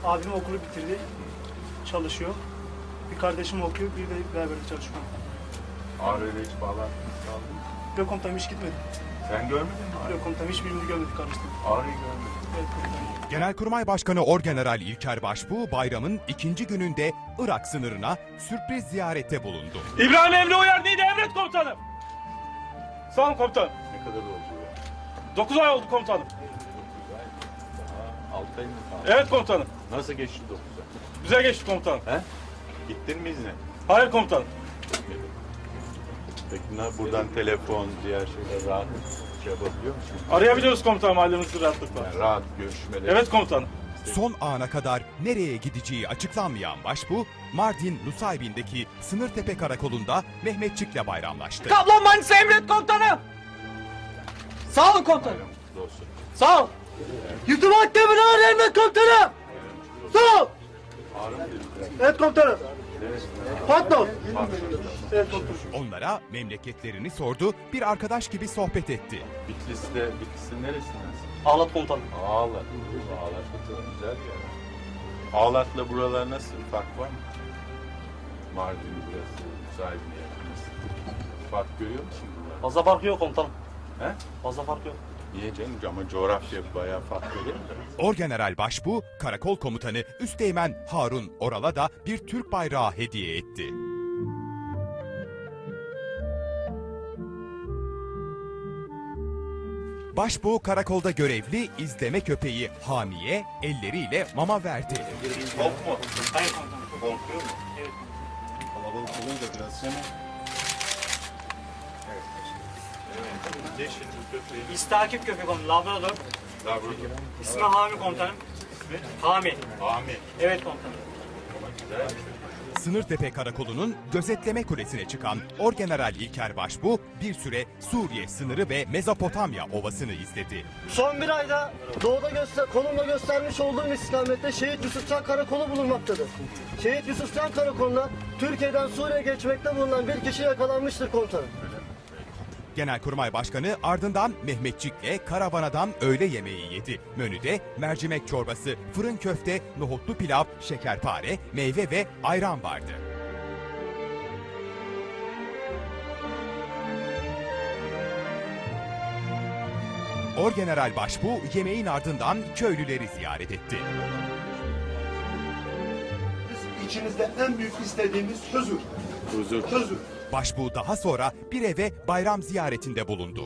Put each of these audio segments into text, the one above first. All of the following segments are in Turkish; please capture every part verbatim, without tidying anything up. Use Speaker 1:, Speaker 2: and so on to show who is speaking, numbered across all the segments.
Speaker 1: Abim okulu bitirdi. Çalışıyor. Bir kardeşim okuyor, bir de beraber çalışıyor.
Speaker 2: Ağrı'yla hiç bağlantı kaldın mı?
Speaker 1: Yok komutanım, hiç gitmedi.
Speaker 2: Sen görmedin mi Ağrı'yı?
Speaker 1: Yok komutanım, hiçbirini görmedik kardeşim.
Speaker 2: Ağrı'yı görmedim.
Speaker 1: Evet komutanım.
Speaker 3: Genelkurmay Başkanı Orgeneral İlker Başbuğ bayramın ikinci gününde Irak sınırına sürpriz ziyarette bulundu.
Speaker 4: İbrahim Emre Uyar neydi emret komutanım? Sağ olun komutanım.
Speaker 2: Ne kadar oldu ya?
Speaker 4: Dokuz ay oldu komutanım.
Speaker 2: altı ay mı kaldı?
Speaker 4: Evet komutanım.
Speaker 2: Nasıl geçti dokuz ay?
Speaker 4: Güzel geçti komutanım.
Speaker 2: He? Gittin mi izne?
Speaker 4: Hayır komutanım.
Speaker 2: Peki ne, buradan telefon, diğer şeyler rahat şey yapabiliyor musun?
Speaker 4: Arayabiliyoruz komutanım ailemizi rahatlıkla.
Speaker 2: Yani rahat görüşmeler.
Speaker 4: Evet komutanım.
Speaker 3: Son ana kadar nereye gideceği açıklanmayan Başbuğ, Mardin Nusaybin'deki Sınırtepe Karakolu'nda Mehmetçik'le bayramlaştı.
Speaker 5: Kaplan Manisa emret komutanım. Sağ olun komutanım.
Speaker 2: Bayram kutlu olsun.
Speaker 5: Sağ ol. Yutuma Demirağır emret komutanım. Sağ ol.
Speaker 2: Ağrı mı dedin?
Speaker 1: Evet komutanım. Patron. Evet komutanım.
Speaker 3: Onlara memleketlerini sordu, bir arkadaş gibi sohbet etti.
Speaker 2: Bitlis'te, Bitlis'in neresindensin?
Speaker 5: Ağlat komutanım.
Speaker 2: Ağlat. Ağlat da güzel bir yer. Ağlat'la buralar nasıl? Fark var mı? Mardin burası, sahibine yakınız. Fark görüyor musun buralar?
Speaker 5: Fazla fark yok komutanım.
Speaker 2: He?
Speaker 5: Fazla fark yok.
Speaker 2: Niye canım? Ama coğrafya bayağı farklı değil mi?
Speaker 3: Orgeneral Başbuğ, Karakol Komutanı Üsteğmen Harun Oral'a da bir Türk bayrağı hediye etti. Başbuğ karakolda görevli izleme köpeği Hami'ye elleriyle mama verdi.
Speaker 2: Top mu?
Speaker 1: Hayır komutanım.
Speaker 2: Korkuyor mu?
Speaker 1: Evet.
Speaker 2: Kalabalık olunca biraz hemen. Yeşil köpeği.
Speaker 1: İstakip köpek komutanım. Labrador.
Speaker 2: Labrador.
Speaker 1: İsmi Hami komutanım. Hami.
Speaker 2: Ami.
Speaker 1: Evet komutanım.
Speaker 3: Sınırtepe Karakolu'nun gözetleme kulesine çıkan Orgeneral İlker Başbuğ bir süre Suriye sınırı ve Mezopotamya ovasını izledi.
Speaker 6: Son bir ayda doğuda göster konumla göstermiş olduğum istikamette Şehit Yusufcan Karakolu bulunmaktadır. Şehit Yusufcan Karakolu'na Türkiye'den Suriye geçmekte bulunan bir kişi yakalanmıştır komutanım.
Speaker 3: Genelkurmay Başkanı ardından Mehmetçik'le karavanadan öğle yemeği yedi. Menüde mercimek çorbası, fırın köfte, nohutlu pilav, şekerpare, meyve ve ayran vardı. Orgeneral Başbuğ yemeğin ardından köylüleri ziyaret etti.
Speaker 7: Biz içinizde en büyük istediğimiz huzur.
Speaker 2: Huzur.
Speaker 7: Huzur.
Speaker 3: Başbuğ daha sonra bir eve bayram ziyaretinde bulundu.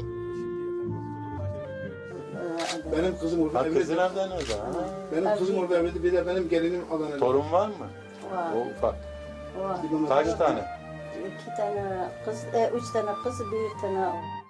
Speaker 7: Benim kızım orada
Speaker 2: Ha
Speaker 7: evli.
Speaker 2: kızın nereden orada? Ha?
Speaker 7: Benim kızım orada evli. Bir de benim gelinim Adana'da.
Speaker 2: Torun var mı?
Speaker 8: Var.
Speaker 2: O ufak.
Speaker 8: Var.
Speaker 7: Bir bana-
Speaker 2: Kaç tane?
Speaker 8: İki tane kız, e, üç tane kız, bir tane